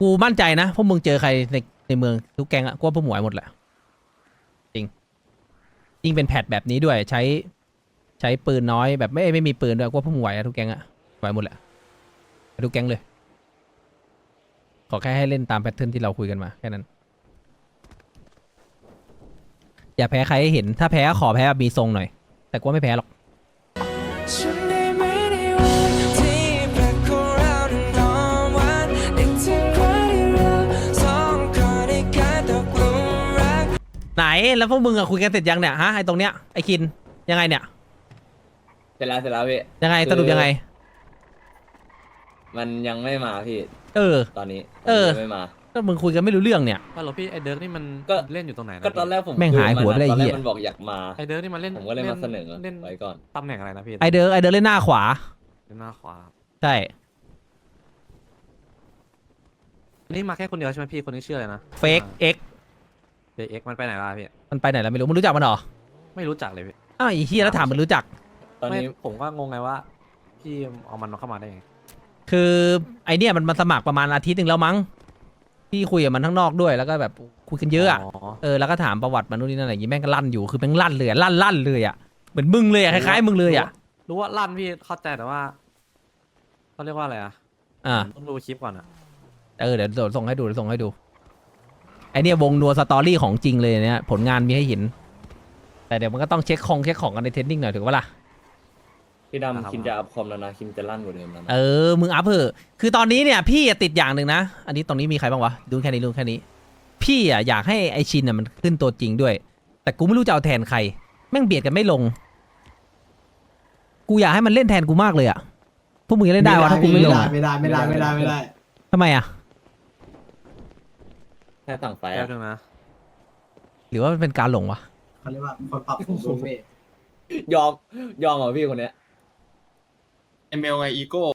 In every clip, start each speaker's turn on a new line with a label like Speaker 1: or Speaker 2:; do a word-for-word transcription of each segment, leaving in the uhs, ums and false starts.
Speaker 1: กูมั่นใจนะพวกมึงเจอใครในในเมืองทุกแก๊งอะกูว่าพวกหมวยหมดแหละจริงยิ่งเป็นแพทแบบนี้ด้วยใช้ใช้ปืนน้อยแบบไม่ไม่มีปืนด้วยกูว่าพวกมึงไหวอะทุกแก๊งอะไหวหมดแหละทุกแก๊งเลยขอแค่ให้เล่นตามแพทเทิร์นที่เราคุยกันมาแค่นั้นอย่าแพ้ใครให้เห็นถ้าแพ้ขอแพ้แบบมีทรงหน่อยแต่กูว่าไม่แพ้หรอกไหนแล้วพวกมึงอะคุยกันเสร็จยังเนี่ยฮะไอตรงเนี้ยไอคินยังไงเนี่ย
Speaker 2: เสร็จแล้วเสร็จแล้วพี่
Speaker 1: ยังไงสรุปยังไง
Speaker 2: มันยังไม่มาพี่
Speaker 1: เออ
Speaker 2: ตอนนี้
Speaker 1: เออ
Speaker 2: ไม่มา
Speaker 1: ก็มึงคุยกันไม่รู้เรื่องเนี่ย
Speaker 3: ฮัลโหลพี่ไอเดิร์กนี่มัน
Speaker 2: ก็
Speaker 3: เล่นอยู่ตรงไหนนะ
Speaker 2: ก็ตอนแรกผม
Speaker 1: แม่งหายหัวไปเลย
Speaker 2: ตอนแร
Speaker 1: เหี้
Speaker 2: ก
Speaker 1: ย
Speaker 2: มันบอกอยากมา
Speaker 3: ไอเดิร์กนี่มันเล่น
Speaker 2: ผมก็เลยมาเสนอ
Speaker 3: เล่น
Speaker 2: ไว้ก่อน
Speaker 3: ตำแหน่งอะไรนะพี่
Speaker 1: ไอเดิร์กไอเดิร์กเล่นหน้าขวา
Speaker 3: เล่นหน้าขวา
Speaker 1: ใช่
Speaker 3: อันนี้มาแค่คนเดียวใช่ไหมพี่คนนี้ชื่ออะไรนะ
Speaker 1: เฟกเอ็ก
Speaker 3: เดเอ็กมันไปไหนล่ะพี่
Speaker 1: มันไปไหนแล้วไม่รู้มึงรู้จักมันเหรอ
Speaker 3: ไม่รู้จักเลยพี่
Speaker 1: อ้าวไอ้เฮียแล้วถามมันรู้จัก
Speaker 2: ตอน
Speaker 3: ไม่
Speaker 2: นี้
Speaker 3: ผมก็งงไงว่าพี่เอามันเข้ามาได้ไง
Speaker 1: คือไอเนี่ยมันมาสมัครประมาณอาทิตย์หนึ่งแล้วมั้งพี่คุยกับมันข้างนอกด้วยแล้วก็แบบคุยกันเยอะอะเออแล้วก็ถามประวัติมันนู่นนี่นั่นอะไรอย่างงี้แม่งก็ลั่นอยู่คือแม่งลั่นเลยอะลั่นลั่นเลยอะเหมือนมึงเลยอะคล้ายๆมึงเลยอะ
Speaker 3: รู้ว่าลั่นพี่เข้าใจแต่ว่าเขาเรียกว่าอะไรอ่ะ
Speaker 1: อ่า
Speaker 3: ต้องดูคลิปก่อนอ่ะ
Speaker 1: เออเดี๋ยวเดี๋ยวส่งให้ดูเดี๋ยวส่งให้ดูไอเนี่ยวงนัวสตอรี่ของจริงเลยเนี่ยผลงานมีให้เห็นแต่เดี๋ยวมันก็ต้องเช็คของเช็คของกันในเทรนนิ่งหน่อยถูกปะล่ะ
Speaker 2: พี่ดำคิมจะอัพคอมแล้วนะคิมจะลั่นกว่าเดิมแล้วนะ
Speaker 1: เออมึงอัพเถอะคือตอนนี้เนี่ยพี่ติดอย่างหนึ่งนะอันนี้ตรงนี้มีใครบ้างวะดูแค่นี้ดูแค่นี้พี่อ่ะอยากให้ไอชินอ่ะมันขึ้นตัวจริงด้วยแต่กูไม่รู้จะเอาแทนใครแม่งเบียดกันไม่ลงกูอยากให้มันเล่นแทนกูมากเลยอ่ะพวกมึงจะเล่นได้วะถ้ากูไม่ลง
Speaker 4: ไม่ได้ไม่ได้ไม่ได้ไม่ได้
Speaker 1: ทำไมอ่ะ
Speaker 2: แค่สั่งไฟ
Speaker 3: แป๊
Speaker 2: อะ
Speaker 3: บนึงนะ
Speaker 1: หรือว่ามันเป็นการหลงวะ
Speaker 4: เขาเรียกว่าคนปรับปรุงรูปเมท
Speaker 2: ยอมยอมเหรอพี่คนเนี้ย
Speaker 4: เอ็มเอลไงอีโก้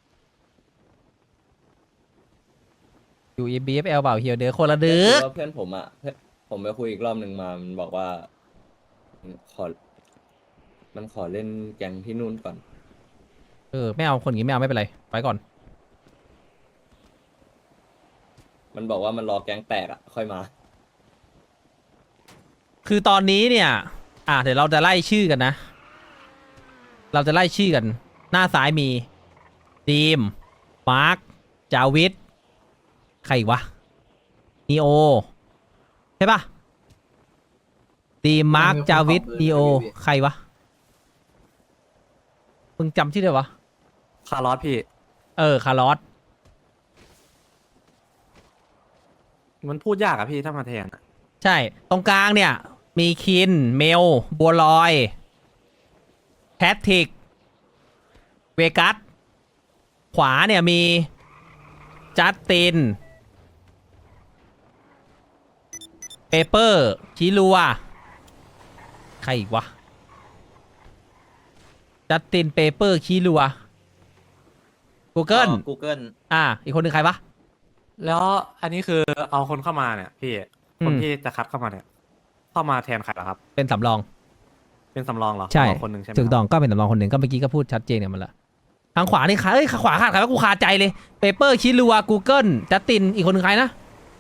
Speaker 1: อยู่ บี เอฟ แอล เปล่าเฮียเดือคนละเดือ
Speaker 2: คือว่าเพื่อนผมอ่ะเพื่อนผมไปคุยอีกรอบหนึ่งมามันบอกว่าขอมันขอเล่นแก๊งที่นู่นก่อน
Speaker 1: เออไม่เอาคนอย่างงี้ไม่เอาไม่เป็นไรไปก่อน
Speaker 2: มันบอกว่ามันรอแก๊งแตกอ่ะค่อยมา
Speaker 1: คือตอนนี้เนี่ย อ่ะเดี๋ยวเราจะไล่ชื่อกันนะ เราจะไล่ชื่อกัน หน้าซ้ายมีดีมมาร์คจาวิทใครอีกวะนีโอใช่ปะดีมมาร์คจาวิทนีโอใครวะมึงจำชื่อได้วะ
Speaker 3: คาร์ลอสพี่
Speaker 1: เออคาร์ลอส
Speaker 3: มันพูดยากอะพี่ถ้ามาแทนอะ
Speaker 1: ใช่ตรงกลางเนี่ยมีคินเมลบัวลอยแพทริกเวกัสขวาเนี่ยมีจัสตินเปเปอร์ชิลัวใครอีกวะจัสตินเปเปอร์ชิลัว Google
Speaker 2: กูเกิล
Speaker 1: อ่าอีกคนหนึ่งใครวะ
Speaker 3: แล้วอันนี้คือเอาคนเข้ามาเนี่ยพี่
Speaker 1: อืม
Speaker 3: คนที่จะคัดเข้ามาเนี่ย เข้ามาแทนใครเหรอครับ
Speaker 1: เป็นสำรอง
Speaker 3: เป็นสำรองเหรอ
Speaker 1: ใช่
Speaker 3: สำรองคนหนึ่งใช่ไหม
Speaker 1: ถูก
Speaker 3: ครับ
Speaker 1: ต้องก็เป็นสำรองคนหนึ่งก็เมื่อกี้ก็พูดชัดเจนกันมาละทางขวานี่ขาเอ้ยขวาขาดใครวะกูคาใจเลยเปเปอร์ชิลัว Google จัสตินอีกคนหนึ่งใครนะ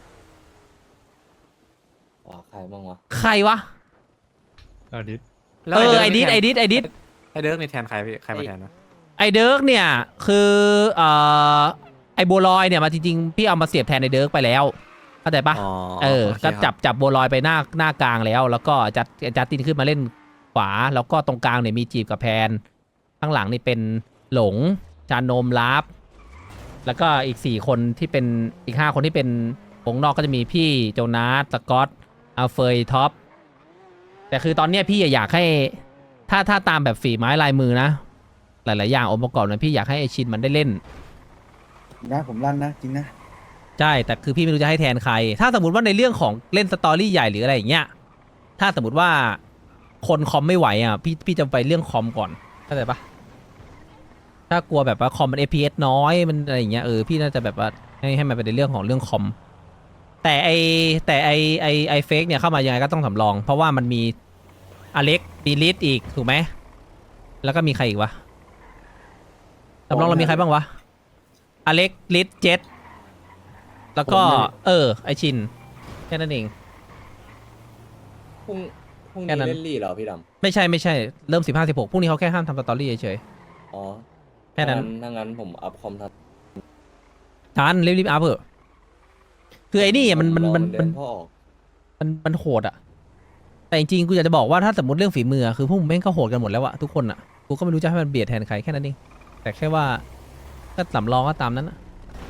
Speaker 2: อ๋อใครบ้างวะ
Speaker 1: ใครวะ
Speaker 3: เออ
Speaker 1: เออไอดิสไอดิสไอดิส
Speaker 3: ไอเดิร์กนี่แทนใครพี่ใครมาแทนนะ
Speaker 1: ไอเดิร์กเนี่ยคือเอ่อไอโบลอยเนี่ยมาจริงๆพี่เอามาเสียบแทนไอเดิร์กไปแล้วเข้าใจปะ
Speaker 3: อ๋อ
Speaker 1: เออ
Speaker 3: โค
Speaker 1: ก็
Speaker 3: ครับ
Speaker 1: จับจับโบลอยไปหน้าหน้ากลางแล้ว แล้วก็จัดจัดตินขึ้นมาเล่นขวาแล้วก็ตรงกลางเนี่ยมีจีบกับแพนข้างหลังนี่เป็นหลงจานโนมลาฟแล้วก็อีกสี่คนที่เป็นอีกห้าคนที่เป็นวงนอกก็จะมีพี่โจนาสสกอตอัลเฟยท็อปแต่คือตอนเนี้ยพี่อยากให้ถ้าถ้าตามแบบฝีไม้ลายมือนะ หลาย ๆ อย่างองค์ประกอบนะพี่อยากให้ไอชินมันได้เล่น
Speaker 4: นะผมลั่นนะจริงนะ
Speaker 1: ใช่แต่คือพี่ไม่รู้จะให้แทนใคร ถ้าสมมติว่าในเรื่องของเล่นสตอรี่ใหญ่หรืออะไรอย่างเงี้ยถ้าสมมติว่าคนคอมไม่ไหวอ่ะพี่พี่จะไปเรื่องคอมก่อนเข้าใจปะถ้ากลัวแบบว่าคอมมัน เอฟ พี เอส น้อยมันอะไรอย่างเงี้ยเออพี่น่าจะแบบว่าให้ให้มันไปในเรื่องของเรื่องคอมแต่ไอแต่ไอไอไอเฟกเนี่ยเข้ามายังไงก็ต้องสำรอง เพราะว่ามันมีอเล็กดีลิทอีกถูกไหมแล้วก็มีใครอีกวะสำรองเรามีใครบ้างวะอเล็กลิทเจ็ตแล้วก็
Speaker 4: ผมเนี่ย
Speaker 1: เออ ไอชินแค่นั้นเอง
Speaker 2: พรุ่งพรุ่ง
Speaker 1: แค่
Speaker 2: นี้
Speaker 1: นั้น
Speaker 2: เล่นลี่เหรอพี่ด
Speaker 1: ไม่ใช่ไม่ใช่เริ่มสิบห้าสิบหกพรุ่งนี้เขาแค่ห้ามทำสตอรี่เฉย
Speaker 2: ำอ๋อ
Speaker 1: แค่นั้น
Speaker 2: ถ้างั้นผมอัพคอมทัน
Speaker 1: ๆทันรีบรีบอัพเถอะคือไอ้นี่อะมันมัน
Speaker 2: รอ
Speaker 1: มัน
Speaker 2: เดื
Speaker 1: มัน
Speaker 2: พ่อออก
Speaker 1: มันมันโหดอะแต่จริงๆกูอยากจะบอกว่าถ้าสมมติเรื่องฝีมืออะคือพวกมึงแม่งก็โหดกันหมดแล้วอะทุกคนอะกูก็ไม่รู้จะให้มันเบียดแทนใครแค่นั้นเองแต่แค่ว่าก็สำรองก็ตามนั้นอะ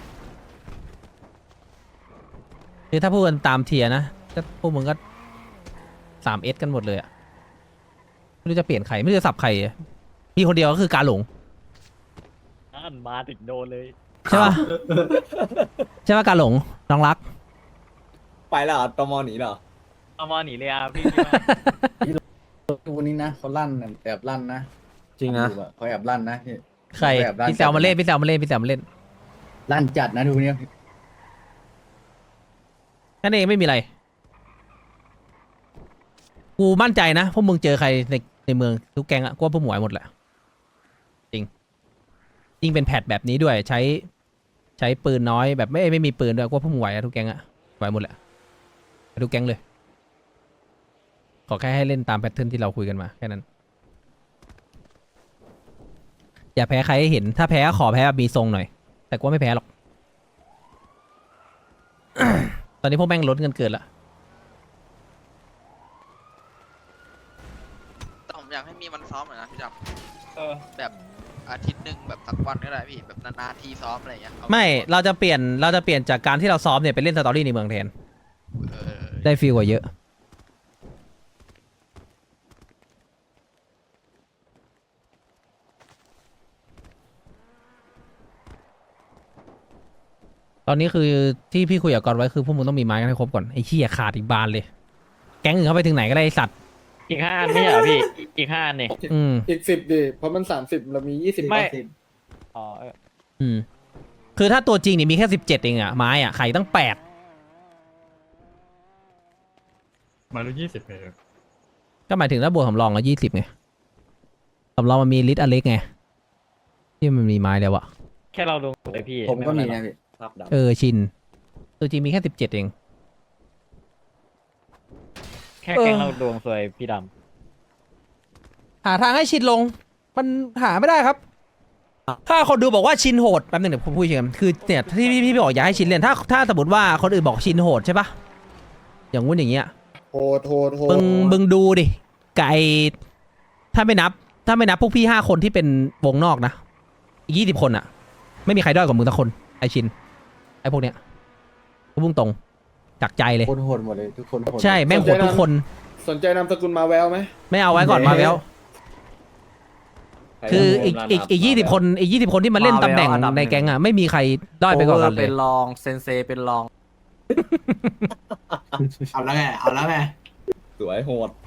Speaker 1: คือถ้าพูดกันตามเทียร์นะก็พวกมึงก็สามเอสกันหมดเลยอะไม่รู้จะเปลี่ยนใครไม่รู้จะสับใครอะมีคนเดียวก็คือการหลง
Speaker 5: อ่านมาถึงโดนเลย
Speaker 1: ใช่ป่ะ ใช่ป่ะการหลงน้องรัก
Speaker 2: ไปแล้วเหรอตมหนีเหรอ
Speaker 5: เอามาหนีเลยอ่ะพี่
Speaker 4: วันนี้นะเขาลั่นน่ะแอบลั่นนะ
Speaker 3: จริงนะ
Speaker 4: ดูอเขาแอบลั่นนะพี่
Speaker 1: ใคร
Speaker 4: เขาแอบลั่น
Speaker 1: พี่แซวมาเล่นพี่แซวมาเล่นพี่แซวมาเล่น
Speaker 4: ลั่นจัดนะดูเนี่ย
Speaker 1: นั่นเองไม่มีอะไร กูมั่นใจนะพวกมึงเจอใครในในเมืองทุกแก๊งอะกูว่าพวกหมวยหมดแหละจริงยิ่งเป็นแพทแบบนี้ด้วยใช้ใช้ปืนน้อยแบบไม่ไม่มีปืนด้วยกูว่าพวกมึงไหวอะทุกแก๊งอะไหวหมดแหละทุกแก๊งเลย ขอแค่ให้เล่นตามแพทเทิร์นที่เราคุยกันมาแค่นั้น อย่าแพ้ใครให้เห็น ถ้าแพ้ก็ขอแพ้แบบมีทรงหน่อย แต่กูว่าไม่แพ้หรอก ตอนนี้พวกแม่งลดเงินเกินละ
Speaker 6: แต่ผมอยากให้มีวันซ้อมหน่อยนะพี่ด
Speaker 5: เออ
Speaker 6: ำแบบอาทิตย์หนึ่งแบบสักวันก็ได้พี่แบบนานๆทีซ้อมอะไรอย่างเงี้ยเอา
Speaker 1: ไม่ เราจะเปลี่ยน เราจะเปลี่ยนจากการที่เราซ้อมเนี่ยไปเล่นสตอรี่ในเมืองแทน
Speaker 6: เออ
Speaker 1: ได้ฟีลกว่าเยอะ ตอนนี้คือที่พี่คุยกับกอนไว้คือพวกมึงต้องมีไม้กันให้ครบก่อน ไอ้เหี้ยขาดอีกบานเลย แก๊งอื่นเข้าไปถึงไหนก็ได้ไอ้สัตว์
Speaker 5: อีกห้าอันไม่ใช่เหรอพี่ อีกห้าอันเนี่ย
Speaker 1: อืม
Speaker 7: อีกสิบดิเพราะมันสามสิบเรามียี่สิบ
Speaker 5: ไม่
Speaker 7: สิบ
Speaker 5: อ๋อเออ
Speaker 1: อืม คือถ้าตัวจริงเนี่ยมีแค่สิบเจ็ดเองอะไม้อะไข่ตั้งแปด
Speaker 8: มารู้ยี่สิบเลย
Speaker 1: ก็หมายถึงถ้าบวกสำรองก็ยี่สิบไงสำรองมันมีลิตรอเล็กไง ที่มันมีไม้แล้วอะ
Speaker 5: แค่เราลงเลยพี่
Speaker 4: ผมก็มี
Speaker 5: ไเป็
Speaker 4: นะ
Speaker 5: นไรหรอ
Speaker 4: พี่
Speaker 2: ภาพดำ
Speaker 1: เออชิน ตัวจริงมีแค่สิบเจ็ดเอง
Speaker 5: แค่แกงเราดวงสวยพี่ด
Speaker 1: หาทางให้ชินลง มันหาไม่ได้ครับ ถ้าคนดูบอกว่าชินโหดแป๊บนึงเดี๋ยวผมพูดเชิงคือเนี่ยที่พี่พี่บอกอยากให้ชินเล่นถ้าถ้าสมมติว่าคนอื่นบอกชินโหดใช่ปะอย่างงู้นอย่างเงี้ย
Speaker 7: โหดโหดโหด
Speaker 1: มึงมึงดูดิไก่ถ้าไม่นับ ถ้าไม่นับพวกพี่ห้าคนที่เป็นวงนอกนะอีกยี่สิบคนอะไม่มีใครด้อยกว่ามึงสักคนไอชินไอพวกเนี้ยกูพุ่งตรงจากใจเลย
Speaker 4: คนโหดหมดเลยทุกคนโหด
Speaker 1: ใช่แม่งโหดทุกคน
Speaker 7: สนใจนามสกุลมาแววไหม
Speaker 1: ไม่เอาไว้ก่อนมาแล้ว
Speaker 2: ใคร
Speaker 1: คือ
Speaker 2: จะ
Speaker 1: อีก
Speaker 2: ร่วม
Speaker 1: อีก
Speaker 2: รั
Speaker 1: อีกยี่สิบคนอีกยี่สิบคนที่มาเล่นตำแหน่ง
Speaker 3: มาแล้วอันดับหนึ่
Speaker 1: ใน
Speaker 3: ง
Speaker 1: แก๊งอ่ะไม่มีใครด้อยไปกว่ากัน
Speaker 3: โอเวอร์
Speaker 1: เล
Speaker 3: เป็
Speaker 1: ย
Speaker 3: นรองเซนเซเป็นรอง
Speaker 4: เอาแล้วไงเอาแล้วไง
Speaker 2: สวยโหด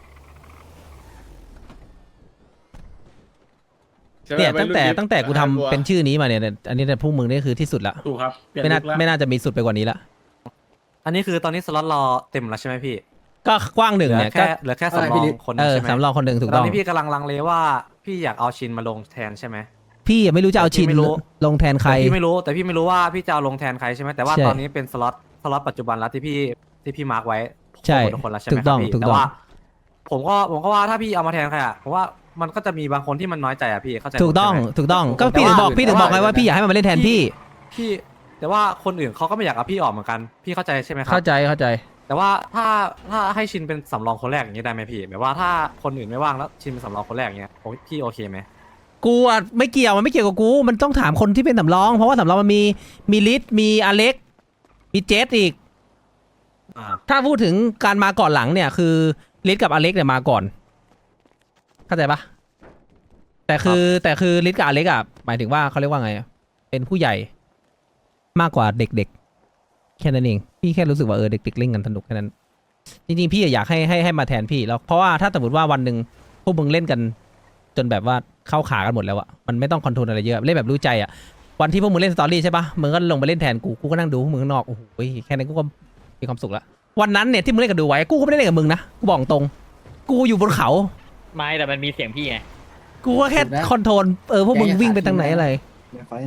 Speaker 1: เนี่ยตั้งแต่ตั้งแต่กูทำเป็นชื่อนี้มาเนี่ยอันนี้เนี่ยพวกมึงนี่คือที่สุดละ
Speaker 8: ถูกครับเปลี่ย
Speaker 1: ไม่น่า
Speaker 8: ลุคแล้ว
Speaker 1: ไม่น่าจะมีสุดไปกว่านี้ละ
Speaker 3: อันนี้คือตอนนี้สล็อตรอเต็มแล้วใช่ไหมพี่
Speaker 1: ก็กว้างหนึ่ง
Speaker 3: เหลื
Speaker 1: เนี่ย
Speaker 3: แค่
Speaker 1: ก็
Speaker 3: เหลือแค่สำรองคนห
Speaker 1: เอ
Speaker 3: นึง
Speaker 1: อ
Speaker 3: ใช่ไหม
Speaker 1: สำรองคนหนึ่งถูก
Speaker 3: ต
Speaker 1: ต้
Speaker 3: อ
Speaker 1: อน ง
Speaker 3: นี้พี่กำลังลังเลว่าพี่อยากเอาชินมาลงแทนใช่ไหม
Speaker 1: พี่ยังไม่รู้จะเอาชิน
Speaker 3: พี่ไม่รู้
Speaker 1: ลงแทนใคร
Speaker 3: แต่พี่ไม่รู้แต่พี่ไม่รู้ว่าพี่จะเอาลงแทนใครใช่ไหมแต่ว่า
Speaker 1: ใช่
Speaker 3: ตอนนี้เป็นสล็อตสล็อตปัจจุบันแล้วที่พี่ที่พี่มาร์กไว้
Speaker 1: ใช่
Speaker 3: หมดทุกคนแล้วใช่ไหม
Speaker 1: ถูกต้อง
Speaker 3: ครับพี่
Speaker 1: ถูกต้อง
Speaker 3: แต่ว่า ผมก็ผมก็ว่าถ้าพี่เอามาแทนใครอ่ะผมว่ามันก็จะมีบางคนที่มันน้อยใจอ่ะพี่เข้าใจ
Speaker 1: ถูกต้อง
Speaker 3: ผมใช่ไหม
Speaker 1: ถูกต้องก็
Speaker 3: แต่
Speaker 1: พี่ถึง
Speaker 3: ว่า
Speaker 1: บอกพี่ถึงบอกไงว่าพี่อยากให้มันมาเล่นแทนพี่
Speaker 3: พี่แต่ว่าคนอื่นเขาก็ไม่อยากเอาพี่ออกเหมือนกันพี่เข้าใจใช่ไหมครั
Speaker 1: เข้าใจเข้าใจ
Speaker 3: แต่ว่าถ้าถ้าให้ชินเป็นสำรองคนแรกอย่างนี้ได้ไหมพี่แบบว่าถ้าคนอื่นไม่ว่างแล้วชินเป็นสำรองคนแรกอย่างเงี้ยโอ้ยพี่โอเคไหม
Speaker 1: กูอ่ะไม่เกี่ยวมันไม่เกี่ยวกับกู มันต้องถามคนที่เป็นสำรอง เพราะว่าสำรองมันมีมีลิสมีอเล็ก มีเจสอีก
Speaker 3: อ่า
Speaker 1: ถ้าพูดถึงการมาก่อนหลังเนี่ยคือลิสกับอเล็กเนี่ยมาก่อน เข้าใจปะแต่คือแต่คือลิสกับอเล็กอ่ะหมายถึงว่าเขาเรียกว่าไงอะเป็นผู้ใหญ่มากกว่าเด็กๆแค่นั้นเองพี่แค่รู้สึกว่าเออเด็กๆเล่นกันสนุกแค่นั้น จริงๆพี่อยากให้ให้ให้มาแทนพี่แล้วเพราะว่าถ้าสมมติว่าวันหนึ่งพวกมึงเล่นกัน จนแบบว่าเข้าขากันหมดแล้วอะมันไม่ต้องคอนโทรลอะไรเยอะเล่นแบบรู้ใจอะวันที่พวกมึงเล่นสตอรี่ใช่ปะมึงก็ลงไปเล่นแทนกูกูก็นั่งดูพวกมึงข้างนอกโอ้โหแค่นั้นกูก็มีความสุขละวันนั้นเนี่ยที่มึงเล่นกับดูไว้กูก็ไม่ได้เล่นกับมึงนะกูบอกตรง กูอยู่บนเขา
Speaker 5: ำไม่แต่มันมีเสียงพี่ไง
Speaker 1: กูก็แค่คอนโทรลเออพวกมึงวิ่งไปทางไหนอะไร
Speaker 4: เดี๋ยวไฟนะ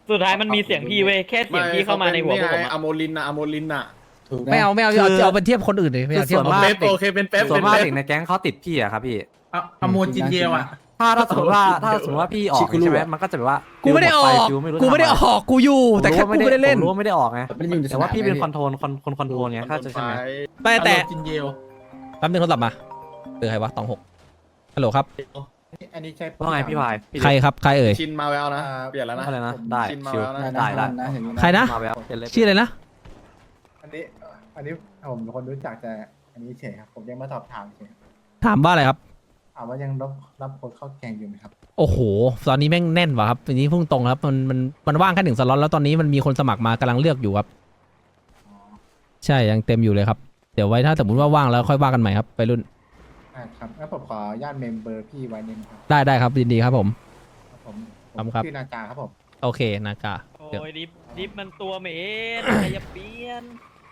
Speaker 5: สุดท้ายมันมีเสียงพี่เว้ยแค่เสียงพี่เข้ามาในหัวพวกผม
Speaker 7: อะ
Speaker 5: อะ
Speaker 7: โมลินอะอะโมลินอะ
Speaker 4: ถูกนะ
Speaker 1: ไม่เอาไม่เอาเอาเอาไปเทียบคนอื่นเลยไม่เอา
Speaker 3: คือ
Speaker 1: เทียบ
Speaker 3: ส่วน
Speaker 1: กับ
Speaker 3: มาก
Speaker 7: เป๊ปโอเคเป็นเป๊ป
Speaker 3: ส่ว
Speaker 7: เป็น น
Speaker 3: มาก
Speaker 7: เป๊ป
Speaker 3: เด็กในแก๊งเขาติดพี่อะครับพี่
Speaker 4: อะอะโมจินเยลอะ
Speaker 3: ถ้าถ้าสมมติว่าถ้าสมมติว่าพี่ออกใช่ไหมมันก็จะแบบว่า
Speaker 1: กูไม่ได้ออก
Speaker 3: ฟิลหดฟฟิลรู้
Speaker 1: กูไม่ได้อ
Speaker 3: ทำะร
Speaker 1: อกกูอยู่แต่แค่กูไม่ได้เล่น
Speaker 3: ผมรู้ว่าไม่ได้ออกไง
Speaker 4: ไม่ได้อยู่ในส
Speaker 3: แต่
Speaker 4: นาม
Speaker 3: ว่าพี่เป็น
Speaker 4: ไง
Speaker 3: คอนโทรลคนคนคอนโทรลไงถ้าจะใช่ไหม
Speaker 1: แต่แต่
Speaker 4: จินเยล
Speaker 1: แป๊บนึงโทรศัพท์มาเบอร์ใครวะตองหกฮัลโหลครับ
Speaker 4: อันนี้ใช่
Speaker 3: ว่าไงพี่พายพี่
Speaker 1: ใครครับใครเอ่ย
Speaker 7: ชินมาแววนะ เปลี่ยนแล้วนะ
Speaker 3: อะไรนะได้
Speaker 7: ชินมา
Speaker 3: ชิว
Speaker 7: แล้วนะ
Speaker 3: ได้ได้
Speaker 4: นะเห็นไหม
Speaker 1: ใครนะ
Speaker 3: มาแล้วเป็นเล็บ
Speaker 1: ชื่ออะไรนะ
Speaker 9: อันนี้ อันนี้ผมเป็นคนรู้จักแต่อันนี้เฉยครับ ผมยังมาสอบถามเฉย
Speaker 1: ถามว่าอะไรครับ
Speaker 9: ถามว่ายังรับรับคนเข้าแกงอยู่ไหมครับ
Speaker 1: โอ้โห ตอนนี้แม่งแน่นว่ะครับทีนี้พุ่งตรงครับมันมันมันว่างแค่หนึ่งสล็อตแล้วตอนนี้มันมีคนสมัครมากำลังเลือกอยู่ครับ ใช่ยังเต็มอยู่เลยครับเดี๋ยวไว้ถ้าสมมติว่าว่างแล้วค่อยว่ากันใหม่ครับไปรุ่น
Speaker 9: อ่าครับงั้นผมขออนุญาตเมมเบอร์พี่ไว้นิดนึงครับ
Speaker 1: ได้ได้ครับยินดีครับผม
Speaker 9: ครับผมผ
Speaker 1: ครับ
Speaker 9: ม
Speaker 1: ครับ
Speaker 9: ชื่อนาจาครับผม
Speaker 1: โอเคนากา
Speaker 5: โอ้
Speaker 1: เดี๋ยวย
Speaker 5: ดิฟดิฟมันตัวเหม็นใครจะเปลี่ยน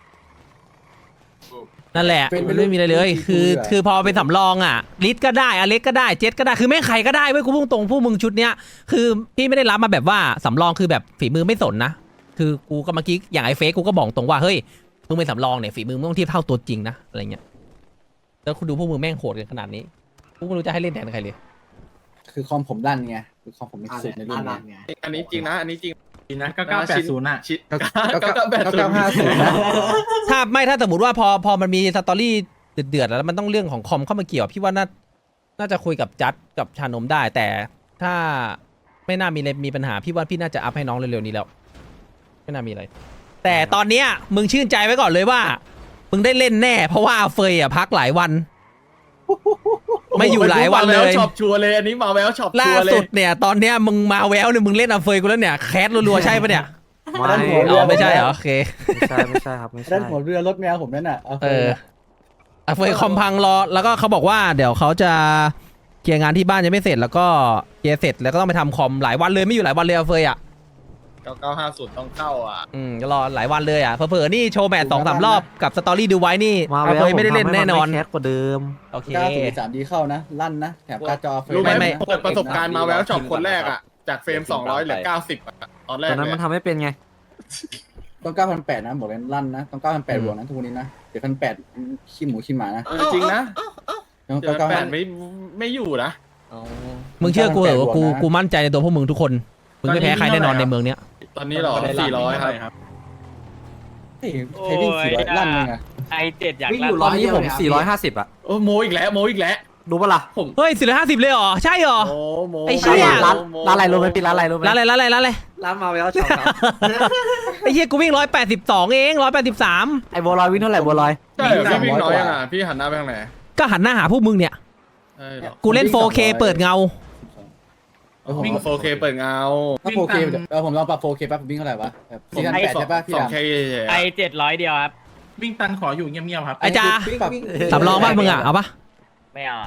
Speaker 1: นั่นแหละ
Speaker 4: เป็นไป
Speaker 1: มันไม่มีอะไรเลย
Speaker 4: เป็น
Speaker 1: คือ
Speaker 4: เป็น
Speaker 1: คือพอเป็นสำรองอ่ะลิสก็ได้อเล็กก็ได้เจ็ตก็ได้คือแม่งใครก็ได้เว้ยกูพุ่งตรงผู้มึงชุดเนี้ยคือพี่ไม่ได้รับมาแบบว่าสำรองคือแบบฝีมือไม่สนนะคือกูก็เมื่อกี้อย่างไอ้เฟซกูก็บอกตรงว่าเฮ้ยมึงเป็นสำรองเนี่ยฝีมือมึงต้องเทียบเท่าตัวจริงนะอะไรเงี้ยแล้วคุณดูพวกมึงแม่งโหดกันขนาดนี้กูไม่รู้จะให้เล่นแทนใครเลย
Speaker 4: คือคอมผมลั่นไงคือคอมผมมีสุดในรุ่นไง
Speaker 7: อันนี้จริงนะ อันนี้จริง
Speaker 8: จริงนะเก้าเก้าแปดศูนย์อ่ะ
Speaker 7: ชิน
Speaker 4: เก้า
Speaker 7: เก้าเก้าแปดศูนย์
Speaker 4: เก้าห้าศูนย์นะ
Speaker 1: ถ้าไม่ถ้าสมมติว่าพอพอมันมีสตอรี่เดือดๆแล้วมันต้องเรื่องของคอมเข้ามาเกี่ยวพี่ว่าน่าน่าจะคุยกับจัดกับชานมได้ แต่ถ้าไม่น่ามีอะไรมีปัญหาพี่ว่าพี่น่าจะอัพให้น้องเร็วๆนี้แล้วไม่น่ามีอะไร แต่ตอนเนี้ยมึงชื่นใจไว้ก่อนเลยว่า มึงได้เล่นแน่ เพราะว่าเฟยอ่ะพักหลายวัน ไม่อยู่หลายวันเลย
Speaker 7: ช็อปชัวร์เลย อันนี้มาแววช็อป
Speaker 1: ล่า
Speaker 7: ชัวร์เล
Speaker 1: สุ
Speaker 7: ย
Speaker 1: ดเนี่ยตอนเนี้ยมึงมาแววเนี่ยมึงเล่นอาเฟยกูแล้วเนี่ยแคสรัวๆใช่ปะเนี่ย
Speaker 3: ไม่
Speaker 4: ด้านหัว
Speaker 1: อ๋อไม่ใช่เหรอโอเค
Speaker 3: ไม่ใช่ไม่ใช่ครับไม่ใช่
Speaker 4: ด้านหัวเรือรถแมวผมนั่นน่ะเอา
Speaker 1: เอออาเฟยคอมพังรอแล้วก็เขาบอกว่าเดี๋ยวเขาจะเคลียร์งานที่บ้านยังไม่เสร็จแล้วก็เคลียร์เสร็จแล้วก็ต้องไปทำคอมหลายวันเลยไม่อยู่หลายวันเลยอาเฟยอ่ะ
Speaker 7: เก้าเก้าห้าศูนย์ต้องเข้าอ่ะ
Speaker 1: อืมรอหลายวันเลยอ่ะเผลอๆนี่โชว์แมตช์สองสามรอบกับสตอรี่ดูไว้นี่
Speaker 3: มา
Speaker 1: อา
Speaker 3: แล้ว
Speaker 1: เฟยไม่ได้เล่นแน่นอน
Speaker 3: แคสกว่าเดิม
Speaker 1: โอเค
Speaker 4: เก้าศูนย์สามดีเข้านะลั่นนะแถบการ์ดจอเฟร
Speaker 7: รู้ไหม
Speaker 1: ไม่
Speaker 7: เปิดประสบการณ์มาแววช็อปคนแรกอ่ะ จากเฟรมสองร้อยเหลือเก้าสิบอ่ะ ตอนแร
Speaker 3: ต
Speaker 7: ก
Speaker 3: อนนั้น
Speaker 7: เล
Speaker 3: มัน
Speaker 7: ย
Speaker 3: ทำไม่เป็นไง
Speaker 4: ต้องเก้าพันแปดนะบอกเลยลั่นนะต้องเก้าพันแปด
Speaker 1: อืม
Speaker 4: บวกนะทุกวันนี้นะเดี๋ยวพันแปดขี้หมูขี้หมานะ
Speaker 7: เออจริงนะ
Speaker 4: ต้อง
Speaker 7: เดี๋ยว
Speaker 4: เก้า
Speaker 7: แป
Speaker 4: เก้า
Speaker 7: ดไม่ไม่อยู่นะ
Speaker 1: มึงเชื่อกูเหรอว่ากู
Speaker 4: บวกนะ
Speaker 1: กูมั่นใจในตัวพวกมึงทุกคนมึงไม่แพ้ใครแน่นอนในเมืองเนี้ย
Speaker 7: ตอนนี้เหรอสี่ร้อยครับ
Speaker 4: เฮ้ยใครวิ่งสี่ร้อยลั่นเลยไง
Speaker 5: ไอเจ็ดอยาก
Speaker 9: วิ่ง
Speaker 5: ลั่
Speaker 9: อยู่
Speaker 5: น
Speaker 3: ตอนนี้ผมสี่ร้อยห้าสิบอะ
Speaker 7: โอ้โมอีกแล้วโมอีกแล้ว
Speaker 3: ดูปะล่ะ
Speaker 7: ผม
Speaker 1: เฮ้ยสี่ร้อยห้าสิบเลยเหรอใช่เหรอ
Speaker 7: โมโม
Speaker 1: ไอ้เหี้ย
Speaker 3: ร้านร้านอะไรรู้ไหมพี่ร้านอะไรรู้ไหม
Speaker 1: ร้านอะไรร้านอะไรร้านอะไร
Speaker 3: ร้านมาแล้วช็อปครับ
Speaker 1: ไอ้เหี้ยกูวิ่งร้อยแปดสิบสองเองร้อยแปดสิบสาม
Speaker 3: ไอ้บัวลอยวิ่งเท่าไหร่บัวลอย
Speaker 7: ใช่เหรอพี่วิ่งน้อยยังอ่ะพี่หันหน้าไปทางไหน
Speaker 1: ก็หันหน้าหาพวกมึงเนี่ย
Speaker 7: ใช่เหรอ
Speaker 1: กูเล่น โฟร์เค เปิดเงา
Speaker 4: เออผม
Speaker 7: วิ่งโฟเคเปิดเงา
Speaker 4: ถ้าโฟร์เคเออผมลองปรับโฟร์เคแป๊บผมวิ่งเท่าไหร่วะแบบสี่พันแปดใช่ป่ะพี่
Speaker 7: สอง
Speaker 4: ดำ
Speaker 7: เค
Speaker 5: ไอเจ็ดร้อยเดียวครับ
Speaker 8: วิ่งตันขออยู่เงียบๆครับ
Speaker 1: ไอ้จ้า
Speaker 4: ปรับ
Speaker 1: สำรองบ้านมึงอ่ะเอาปะ
Speaker 5: ไม่เอาอะ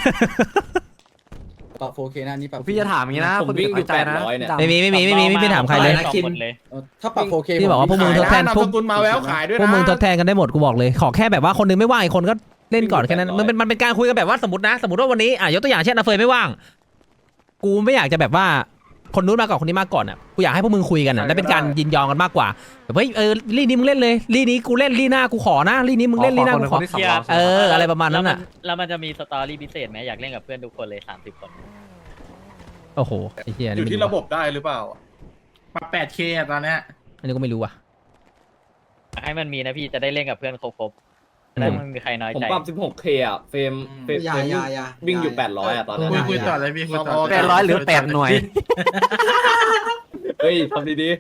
Speaker 4: ปรับโฟร์เคนะนี่ปรับ
Speaker 3: พี่จะถามอย่างนี้นะ
Speaker 2: ผมวิ่งอยู่
Speaker 3: คนนใจนะ
Speaker 2: แปดร้อยเนี่ย
Speaker 1: ไม่มีไม่มีไม่มีไม่มีถามใครเลย
Speaker 5: สองหมดเลย
Speaker 4: เออถ้าปรับโฟร์เค
Speaker 1: พี่บอกว่าพวกมึงทดแทน
Speaker 7: นาม
Speaker 1: พวก
Speaker 7: สกุลมาแววขายด้วย
Speaker 1: พวก
Speaker 7: นะ
Speaker 1: มึงทดแทนกันได้หมดกูบอกเลย ขอแค่แบบว่าคนนึงไม่ว่างอีกคนก็เล่นก่อนแค่นั้นมันเป็นมันเป็นการคุยกันแบบว่าสมมตินะ สมมติว่าวันนี้อ่ะยกตัวอย่างเช่นอาเฟยไม่ว่าง กูไม่อยากจะแบบว่าคนนู้นมาก่อนคนนี้มาก่อนอ่ะกูอยากให้พวกมึงคุยกันอ่ะและเป็นการยินยอมกันมากกว่าแบบเฮ้ยเออลี่นี้มึงเล่นเลยลี่นี้กูเล่นลี่หน้ากูขอนะลี่นี้มึงเล่นลี่หน้ากูขอ
Speaker 3: คนที่สำรอง
Speaker 1: เอออะไรประมาณนั้นน่ะ
Speaker 5: แล้วมันจะมีสตอรี่พิเศษไหมอยากเล่นกับเพื่อนทุกคนเลยสามสิบคน
Speaker 1: โอ้โหไอ้เหี้ย
Speaker 7: อ
Speaker 1: นี่
Speaker 7: ยู่
Speaker 1: ไม่
Speaker 7: ที่
Speaker 1: รู้
Speaker 7: ระบบได้หรือเปล่า
Speaker 8: ปรับ แปดเค อะตอนเนี้ย
Speaker 1: อันนี้ก็ไม่รู้ว่ะ
Speaker 5: อยากให้มันมีนะพี่จะได้เล่นกับเพื่อนครบๆแล้วไม่มีใครน้อย
Speaker 2: ผม
Speaker 5: ใจ
Speaker 2: ปรับ สิบหกเค อ่ะ เฟรมเฟรมเฟรมวิ่งอยู่ แปดร้อย อ่ะ ตอนนั้น
Speaker 8: คุย
Speaker 2: อะ
Speaker 8: คุยต่อเลยพี่คุยต่อ
Speaker 3: แปดร้อยหรือแปดหน่วย
Speaker 2: เฮ้ยทำดี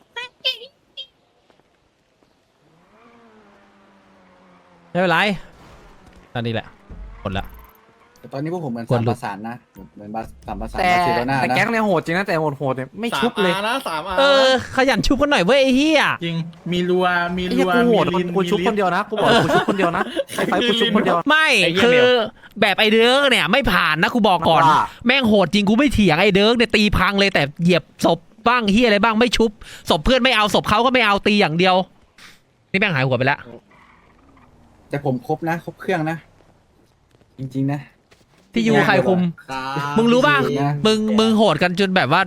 Speaker 1: ไม่เป็นไรตอนนี้แหละหมดละ
Speaker 4: แต่ตอนนี้พวกผมเหมือน
Speaker 1: กด
Speaker 4: สาม
Speaker 1: หลุ
Speaker 4: ป
Speaker 1: ด
Speaker 4: ระสานนะเหมือนสามประสาน
Speaker 3: แต่
Speaker 4: บาร์เซโลนา
Speaker 3: แต่
Speaker 4: นะ
Speaker 3: แก๊งเนี่ยโหดจริงนะแต่โหดโหดๆเนี่ยไม่
Speaker 7: สาม
Speaker 3: ชุบเลย
Speaker 7: อานะสามอา
Speaker 1: เออขยันชุบกันหน่อยเว้ยไอ้เหี้ย
Speaker 8: จริง มีรัว มี
Speaker 3: ไอ้
Speaker 8: รั
Speaker 3: เหี้ยว กูโหด
Speaker 8: มีลิน
Speaker 3: กูชุบ
Speaker 8: มีลิ
Speaker 3: คนเดียวนะกูบอกกูชุบคนเดียวนะไอ้ไฟกูชุบคนเดียว
Speaker 1: ไม่
Speaker 5: ไอ้เหี้ย
Speaker 1: คื
Speaker 5: เบ
Speaker 1: อ
Speaker 5: ล
Speaker 1: แบบไอเดิร์กเนี่ยไม่ผ่านนะกูบอกก่อน
Speaker 3: ว่า
Speaker 1: แม่งโหดจริงกูไม่เถียงไอเดิร์กเนี่ยตีพังเลยแต่เหยียบศพบ้างเฮียอะไรบ้างไม่ชุบศพเพื่อนไม่เอาศพเขาก็ไม่เอาตีอย่างเดียว นี่แม่งหายหัวไปแล้ว
Speaker 4: แต่ผมครบนะ ครบเครื่องนะ จริงๆนะ
Speaker 1: ที่ยูใครคุม มึงรู้ป่ะ มึงมึงโหดกันจนแบบว่า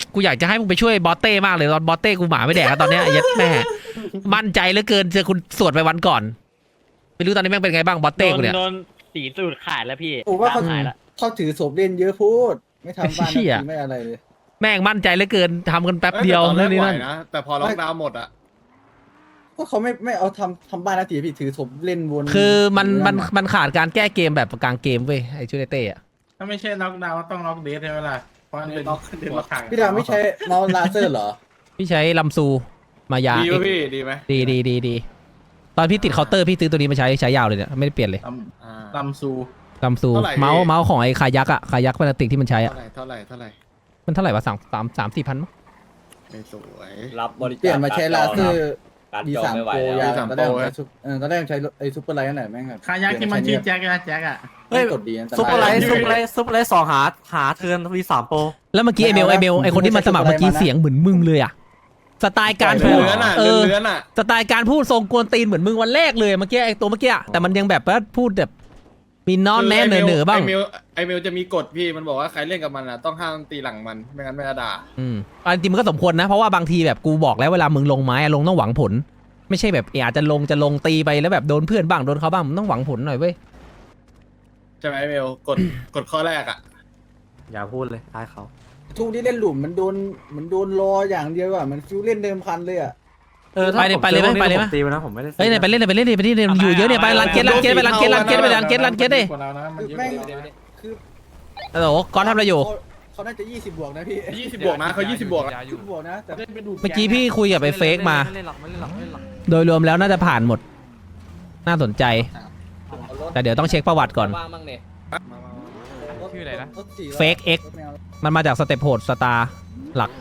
Speaker 1: กูอยากจะให้มึงไปช่วยบอสเต้มากเลยตอนบอสเต้กูหมาไม่แดกแล้วตอนเนี้ยไอ้เหี้ยัดแม่มั่นใจเหลือเกินเจอคุณสวดไปวันก่อนไม่รู้ตอนนี้แม่งเป็นไงบ้างบอสเต้กูเนี่ย
Speaker 5: โดนสีสูตรขาดแล้วพี่
Speaker 4: ผมว่าเขา
Speaker 5: ขายแล้ว
Speaker 4: เขาถือศพเล่นเยอะพูด ไม่ทำบ้าน
Speaker 1: เหี้ย
Speaker 4: ไม่อะไรเลย
Speaker 1: แม่งมั่นใจเหลือเกินทำกันแป๊บเดียว
Speaker 7: อ้แต่ตอนแร
Speaker 1: เรื่อก งนี้
Speaker 7: ไหว
Speaker 1: นั่น
Speaker 7: นะแต่พอล็อกดาวน์หมดอ่ะ
Speaker 4: ก็เขาไม่ไม่เอาทำทำบ้านนาทีพี่ถือศพเล่นวน
Speaker 1: คือมันมันมันขาดการแก้เกมแบบกลางเกมเว้ยไอ้ชูเนเต้อะ
Speaker 8: ถ้าไม่ใช่ล็อกดาวน์ก็ต้องล็อกเดทใช่ไหมล่ะเพราะมันเป็นหัวขัง
Speaker 4: พี่ดาวไม่ใช้เมาส์ลาเซอร์เหรอ
Speaker 1: พี่ใช้ลำซูมายา
Speaker 7: ดี
Speaker 1: เอ็
Speaker 7: ป่ะ
Speaker 1: ก
Speaker 7: พี่ดีไหม
Speaker 1: ดีดีดีดีตอนพี่ติดเคาน์เตอร์พี่ซื้อตัวนี้มาใช้ใช้ยาวเลยเนี่ยไม่ได้เปลี่ยนเลย
Speaker 8: ล
Speaker 7: อ่า
Speaker 8: ำลำซู
Speaker 1: ลำซู
Speaker 7: เท่าไหร่
Speaker 1: เมาส์
Speaker 7: พี่
Speaker 1: เมาส์ของไอ้คายักอะคายักพลาสติกที่มันใช้อะ
Speaker 7: เท่าไหร่เท่าไหร่เท่าไหร่
Speaker 1: มันเท่าไหร่วะสามสามสามสี่พันมั้ง
Speaker 7: ไม่สวย
Speaker 2: รับบริจาค
Speaker 4: เปลี่ยนมาใช้ลาเซอร์
Speaker 2: การ
Speaker 4: ดี
Speaker 2: จอ
Speaker 4: สาม
Speaker 2: ไม่ไหว
Speaker 4: โปร
Speaker 2: แล้ว
Speaker 4: ยา
Speaker 7: D สาม
Speaker 4: ตอนแรก
Speaker 7: Pro
Speaker 4: ใช้ซุปเออตอนแรกใช้ไอ้ซุปเปอร์ไลท์นั่นแหละแม่งแบบ
Speaker 8: คายักที่มันชื่อแจ็คอะแจ็คอะ
Speaker 3: เฮ้ย
Speaker 4: กดดีอันตราย
Speaker 3: ซุปเปอร์ไลท์ซุปเปอร์ไลท์ซุปเปอร์ไลท์สองหาหาเทิร์นวีสามโปร
Speaker 1: แล้วเมื่อกี้ไอเมลไอเมลไอคนที่มาสมัครเมื่อกี้เสียงเหมือนมึงเลยอะสไตล์การพูด
Speaker 7: เลื้อนอ่ะ
Speaker 1: เออ
Speaker 7: เลื้อนอ่ะ
Speaker 1: สไตล์การพูดทรงกวนตีนเหมือนมึงวันแรกเลยเมื่อกี้ไอตัวเมื่อกี้อะแต่มันยังแบบว่าพูดแบบมีนอนแน่เหนือเหนือๆบ้าง
Speaker 7: ไอเมลไอเมลจะมีกฎพี่มันบอกว่าใครเล่นกับมันอ่ะต้องห้ามตีหลังมันไม่งั้นไม่จะด่า
Speaker 1: อืมอันจริงมันก็สมควรนะเพราะว่าบางทีแบบกูบอกแล้วเวลามึงลงไม้อะลงต้องหวังผล ไม่ใช่แบบเอออาจจะลงจะลงตีไปแล้วแบบโดนเพื่อนบ้างโดนเขาบ้างมึงต้องหวังผลหน่อยเว้ย
Speaker 7: ใช่ไหมไอเมลกฎกฎข้อแรกอ่ะ
Speaker 3: อย่าพูดเลยตายเขา
Speaker 4: ทุกที่เล่นหลุมมันโดนมันโดนรออย่างเดียวอ่ะมันฟิวเล่นเดิมพันเลยอ่ะ
Speaker 3: เออถ้า
Speaker 1: ไปเลย
Speaker 3: ผม
Speaker 1: ไปเลยไหม
Speaker 3: จอพวกนี้
Speaker 1: ไปเลยไหม
Speaker 3: ผมตีไปนะผมไม่ได้ซื้อ
Speaker 1: เฮ้ยเนี่ยไปเล่นเลยไปเล่นเลยไปเล่นเลยอยู่เยอะเนี่ยไปรันเก็ตรันเก็ตไปรันเก็ตรันเก็ตไปรันเก็ตรันเก็ตดิ
Speaker 8: กว่าเรานะมันเยอะก
Speaker 4: แม่ง
Speaker 8: ว่าเรานะ
Speaker 4: คือ
Speaker 1: โอ้โหก้อนทำอะไรอยู่
Speaker 4: เขาเขาน่าจะยี่สิบบวกนะพี่
Speaker 7: ยี่สิบบวกนะเขายี่สิบบวกอะ
Speaker 4: ยี่สิบบวกนะแต่
Speaker 8: เล่นไปดูด
Speaker 1: เมื่อกี้พี่คุยกับไอ้เฟกมา
Speaker 3: ไม่เล่นหรอกไม่เล่นหรอกไม่เล่นหรอก
Speaker 1: โดยรวมแล้วน่าจะผ่านหมด น่าสนใจ แต่เดี๋ยวต้องเช็คประวัติก่อน
Speaker 2: ว่างบ้างเนี่ย
Speaker 4: ชื่ออะไรนะ
Speaker 1: Fake X มันมาจากสเตปโหดสตาร์หลัก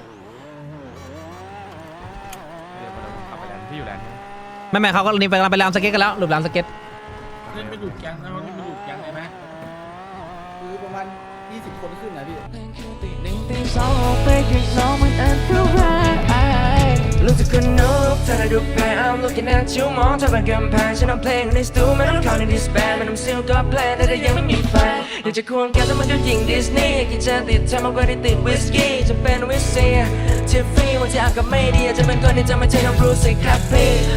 Speaker 3: พี่อยู่แลนด์
Speaker 1: ไม่ไม่เขาก็นี่ไปไปรามสเก็ตกันแล้วหลุดรามสเก็ต
Speaker 8: เล่นไปดูดแก๊งนะเขาเล่นไปดูดแก๊งเลยไหม
Speaker 4: คือประมาณยี่สิบคนขึ้นนะพี่
Speaker 10: รู้สึกคนนกถ้าได้ดูแพ้ I'm looking at you มองเธอเป็นกำแพงฉันเอาเพลงในสตูไม่ต้องเข้าในดิสแบนไม่ต้องซิลก็แพลนแต่ถ้ายังไม่มีแฟนอยากจะควงแกแต่มันก็ยิงดิสนีย์กินจะติดเธอมากกว่าที่ติดวิสกี้จะเป็นวิสเซียทิฟฟี่วันที่อากาศไม่ดีจะเป็นคนที่จะไม่ใช่น้องบรูซสิครับพี่